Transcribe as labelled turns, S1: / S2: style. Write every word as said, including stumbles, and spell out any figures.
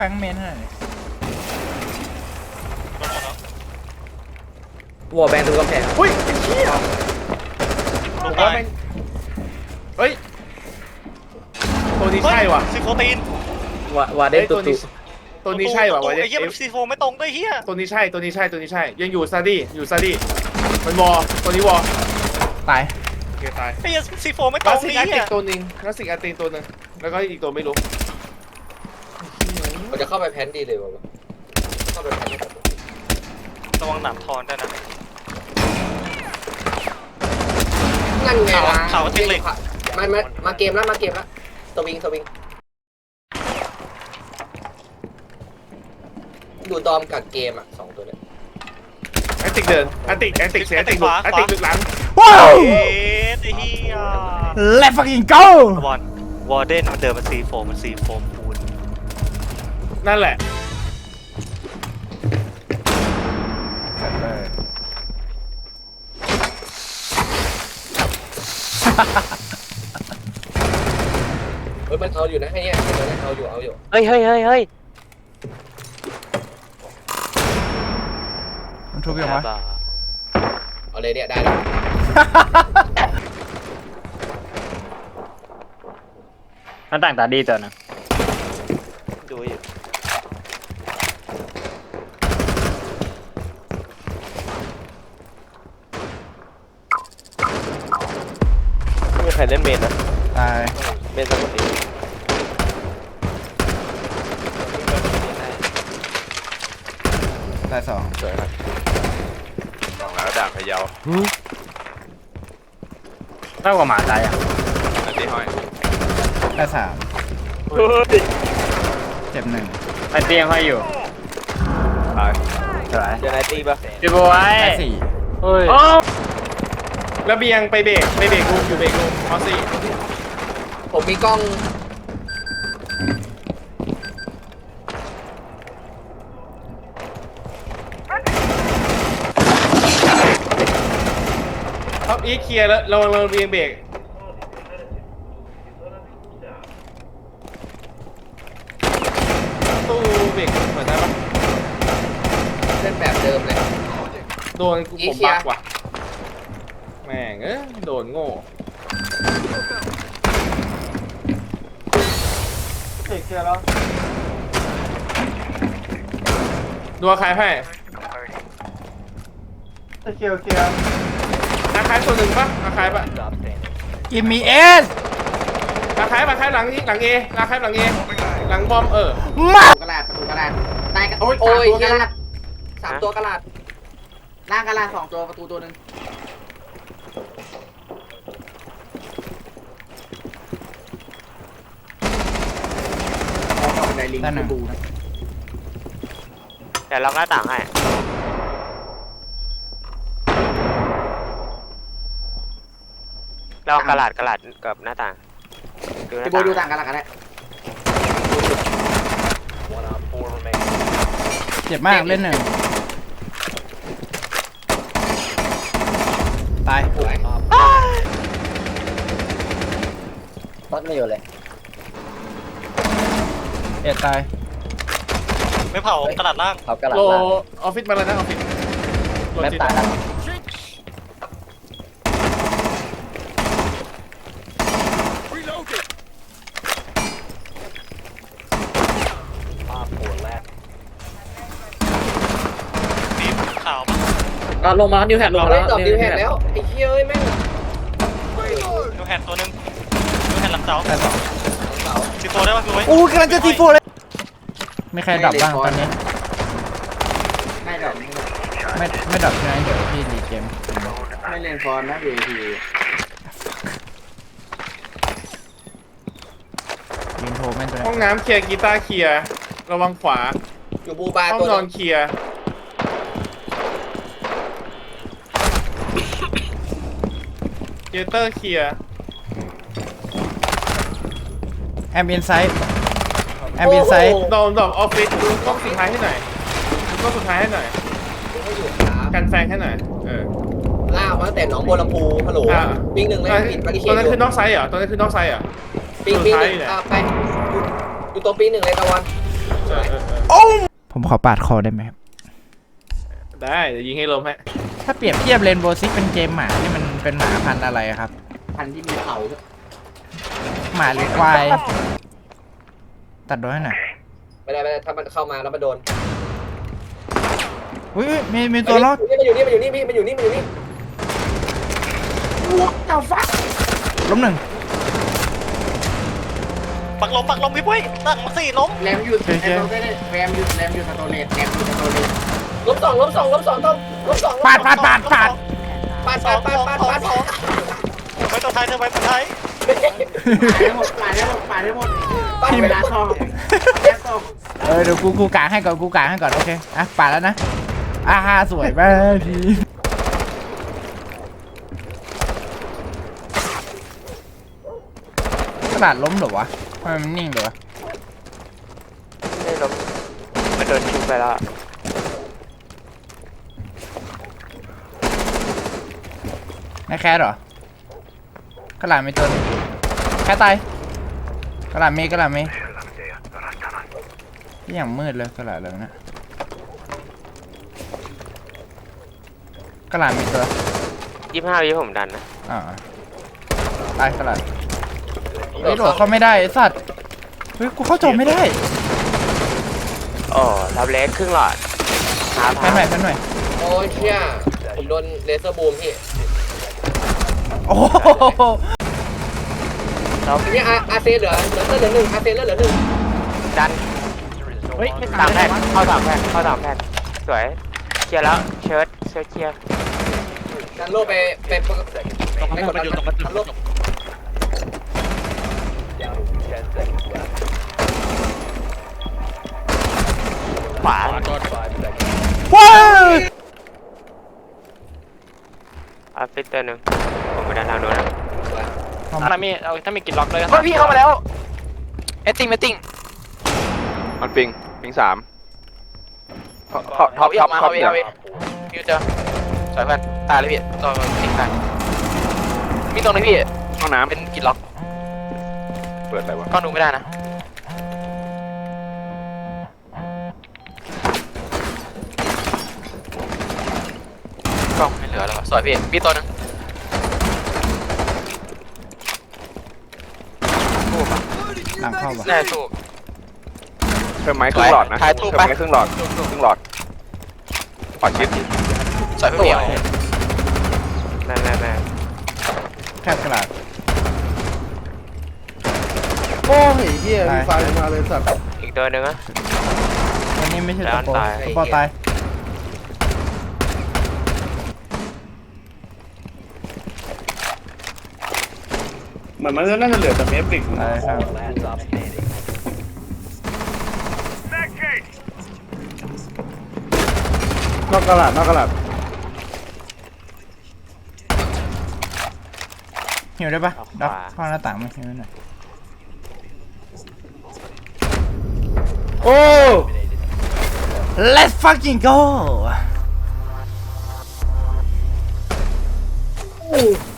S1: แป้งเมนให้หน่อยว
S2: อลแบนดูกำแพง
S3: อุ้ยไอ้เหี้ย
S4: ลง
S3: ว่า
S4: ตาย
S3: แม่งเฮ้ยตัวนี้ใช่ว่ะ
S4: ซีโฟตีน
S2: วาวาเดน
S3: เฮ้ย
S2: ตุ
S3: ตัว
S2: ตุ
S3: นี้ตัวนี้ใช่ว่ะวะ
S4: ไอ้เหี้ย
S3: เอ
S4: มันซีโฟไม่ตรงด้วยเหี้ย
S3: ตัวนี้ใช่ตัวนี้ใช่ตัวนี้ใช่ยังอยู่ซาดี้อยู่ซาดี้มันวอตัวนี้วอ
S1: ตาย
S3: โอเคตาย
S4: ไอ้เหี้ยซีโฟไม่ต
S3: ลา
S4: รง
S3: สสิก
S4: นี่
S3: อาร์ติ
S4: เหี้
S3: ก
S4: ย
S3: ตัวหนึงลาสสิกอาร์ติกตัวหนึงแล้วก็อีกตัวไม่รู้
S2: มันจะเข้าไปแพนดีเลยวะเข้าไปแพน
S4: ระวังหนามทอนด้วยนะ
S2: นั่นไงล่ะ
S4: ข่าวว่าติดเหล็ก
S2: มามามาเกมแล้วมาเกมแล้วสวิงสวิงดูดอมกับเกมอ่ะสองตัวเนี่ย
S3: อาร์ติกเดินอาร์ติกอาร์ติกเสียอาร์ติกหลุดอาร์ติกหลุดหลัง
S1: ว้าว
S4: เอ๊ะไอ้เหี้ย
S1: Let's fucking go
S4: บอลวอร์เดนมันเดินมาซีโฟมันซีโฟปูน
S3: นั่นแหละ
S2: เฮ้ยมันเอาอยู่นะไอ้เนี่ยมันเอาอยู่เอาอยู่
S5: เฮ้ยเฮ้ยเฮ้ยเฮ้ย
S1: มันทุบยังวะ
S2: เอาเลยเนี่ยได้แล้ว
S5: มันต่างตาดีตัวนึง
S4: ดูอยู่
S5: ไม่มีใครเล่นเมนนะ
S1: ตาย
S5: เมนสมุทรนี้
S1: ตายสอง
S5: สวยครับ
S6: สองแล้วด่างพะเยา
S5: เท่ากับหมาตายอ่ะ
S6: อันที่ห้อย
S1: ตายสามเจ็บหนึ่ง
S5: ไอเตียงห้อยอยู่
S6: ตาย
S5: สวยเจอไนตี้ปะพี่บอย
S1: ตายสี่
S5: เฮ้ย
S3: ระเบียงไปเบรกไปเบรกรูมอยู่เบรกรูมออสซี่
S2: ผมมีกล้อง
S3: ท็อปอีเคลียร์แล้วเราเราระเบียงเบรกตู้เบรกเหมือนได้ปะ
S2: เล่นแบบเดิมเลย
S3: โดนกู
S2: อี
S3: ผม
S2: เคลียร์
S3: บักว่ะแม่งเอ้ยโดนโง่ดูอาคายให้อาคายอาคายตัวหนึ่งปะอาคายปะ
S1: กิมมี่เอส
S3: อาคายอาคายหลังนี้หลังเออาคายหลังเอหลังบอมเออ
S1: มา
S7: กระดาษประตูกระดาษใต้กระ
S3: โอ้ย
S2: โอ้ย
S7: สามตัวก
S2: เหี้ย
S7: ระดาษ
S2: สามตัวกระดาษ
S7: ล่างกระดาษสองตัวประตูตัวหนึ่งเอาเข้าบันไดลิง
S1: ด้านหนึ่ง
S7: บูนะ
S5: เดี๋ยวล็อกหน้าต่างให้ลองกระดาษกระดาษกับหน้าต่างดูหน้า
S7: พี่โบ
S5: ต่าง
S7: ดูต่างกระดาษกันได้
S1: เจ็บมากเล่นหนึ่งตาย
S2: สวย
S5: รถไม่อยู่เลย
S1: เอ็ดตาย
S4: ไม่เผากระดาษล่าง
S5: เขากระดาษ
S3: โล
S5: ล่าง
S3: ออฟฟิศมาแล้วนะออฟฟิศโล
S5: แม่
S3: จิต
S5: ตายแล้ว
S4: สีขาวปะ
S5: ก็ลงมานิวแฮดลง
S2: เรา
S5: มา
S2: เล่
S5: แล้
S2: น
S5: ว
S2: ดอกดิวแฮดแล้วไอ้เหี้ยเอ้ยแม่ง
S4: ดูแฮนตัวหนึงดูแฮนหลังเสา
S1: ตายสอง
S2: เสา
S4: ซีโฟได้ปะพี่ไว้
S1: อู้กำลังจะทีโฟเลยไม่ใครดับบ้างตอนนี้
S7: ไม่ดอกไม่
S1: ไม่ไม่ดับใช่ไหมเดี๋ยวพี่รีเกม
S7: ไม่เล่นฟอนนะเวที
S1: ยืนโทรแม่นตัว
S3: ห้อง
S1: นี้
S3: น้ำเคลียร์กีตาร์เคลียร์ระวังขวา
S2: อยู่บูบา
S3: ห้อง
S2: ตัวน
S3: อนเคลียร์เจเตอร์เคลียร์
S1: แอมอินไซด์แอมอินไซด์
S3: ดอมดอมออฟฟิศดูกล้องสุดท้ายให้หน่อยดูกล้องสุดท้ายให้หน่อย
S2: ไม่อยู่ครับ
S3: กันแซงให้หน่อยเออ
S2: ล่ากมาตั้งแต่หนองบัวลำพูฮัลโหล
S3: อ่า
S2: วิ่งหนึ่งเลยปิดปฏิเส
S3: ตัว
S2: ธ
S3: นั้น
S2: อยู่
S3: คือนอกไซด์เหรอตัวนั้นคือนอกไซด์เหรอ
S2: ปิงปิงหนึ่ง
S3: สุดท้ายเนี่ย
S2: อ่าไปอยู่อยู่ตัวปิงหนึ่งเลยตะวัน
S3: เออเออเออ
S1: โอ้ผมขอปาดคอได้ไหมครับ
S3: ได้เดี๋ยวยิงให้ล้มฮะ
S1: ถ้าเปรียบเทียบเรนโบว์ซิกเป็นเกมหมานี่มันเป็นหมาพันธุ์อะไรครับ
S7: พันที่มีเขาด้วย
S1: หมาหรือควาย ตัดโดนให้หน่อย
S2: ไม่ได้ไม่ได้ถ้ามันเข้ามาแล้วมันโดน
S1: อุ้ยอุ๊ยมีมีตัวรอด
S2: มันอยู่นี่มันอยู่นี่พี่มันอยู่นี่มันอยู่นี่
S1: ล้มหนึ่ง
S4: ปักลมปักลมพี่ปุ้ยตั้งมาสี่ล้ม
S7: แรมหยุดแรมหยุดแรมหยุดแรมหยุดสโตเลตแรมหยุดสโตเลต
S2: ล้มสองล้มสองล้มสองต้องล้มสอง
S1: ปาดปาดปาดปาด
S2: ปาด
S4: ส
S2: ปา
S4: อ
S2: ด
S4: ง
S2: ปาด
S4: สอง
S2: ปาด
S4: สอง
S2: ปาด
S4: สองไปตัวไทยเธอไปตัวไทย
S7: ปาดได้หมดปาดได้หมดปาดได้หมดปาดเวลาทองแย่ทอง
S1: เออเดี๋ยวกูกูกางให้ก่อนกูกางให้ก่อนโอเคอ่ะปาดแล้วนะอ่าสวยมากพี่กระดาษล้มเหรอวะทำไมมันนิ่งเลยวะ
S5: ไม่ล้มมันโดนชุบไปแล้ว
S1: ไม่แคสเหรอ กระดาษไม่ตัวหนึ่งแคสตายกระดาษมีกระดาษมีที่อย่างมืดเลยกระดาษเลยนะกระดาษมีตัว
S5: ยี่สิบห้าวิผมดันนะ
S1: อ่าตายกระดาษเฮ้ยโดดเข้าไม่ได้ไอ้สัตว์เฮ้ยกูเข้าจอไม่ได้
S5: โอ้รับเล็กครึ่งหลอดหา
S1: แพ
S5: พาน
S1: หน่อยแพนหน่อย
S2: โอ้ยเชี่ยผมโดนเลเซอร์บูมพี่
S1: โอ้โห
S2: ทีนี้อาอาเซเหลือเหลือเหลือหนึ่งอาเซเหลือเหลือหนึ่ง
S5: ดันเฮ้ยสามแผ่นเข้าสามแผ่นเข้าสามแผ่นสวยเคลียร์แล้วเชิร์ตเชิร์ตเคลียร์
S2: ดันโลไปไปไปกดดันดันโล
S5: ขวา
S1: ว้าว
S5: ออฟฟิศตัวหนึ่งผมไปด้านทางโน้นนะ
S4: ถ้ามีเอาถ้ามีกินล็อกเลยพี่เข้ามาแล้วเอตติ้งเอตติ้ง
S6: มันปิงปิงสามท็อปท็อปท็อปท็อปท็อปเนี่ย
S4: พี่เจอสวยเพื่อนตายเลยพี่ตัวติงตายมีตรงนี้พี่
S6: ห้องน้
S4: เป็นกินล็อก
S6: ำเปิดอะไรวะ
S4: ก็ดูไม่ได้นะกล้องไม่เหลือแล้วสวยพี่พี่ตัวนึง
S1: หลังเข้าปะ
S4: แน่สู้
S6: เพิ่มไม้ครึ่งหลอดนะ
S4: ถ่ายรู
S6: เพิ่
S4: ป
S6: ม
S4: ไป
S6: ไม้ครึ่งหลอดครึ่งหลอดขอชิด
S4: สวยพี่เหมียว
S5: แม่แม่แม่
S1: แคบกระดาษ
S8: โอ้ยเฮียมีไฟมาเลยสัตว์
S5: อีกตัวหนึ่งอะ
S1: วันนี้ไม่ใช่ตะโป
S5: ตาย
S1: ตะโปตาย
S8: เหมือนมันน่าจะเหลือแต่เมฟริก
S1: ตายครับ
S8: นอกกระดาษนอกกระดาษ
S1: หิวได้ปะดับเข้าหน้าต่างมาหิวหน่อย
S8: โอ้
S1: Let's fucking go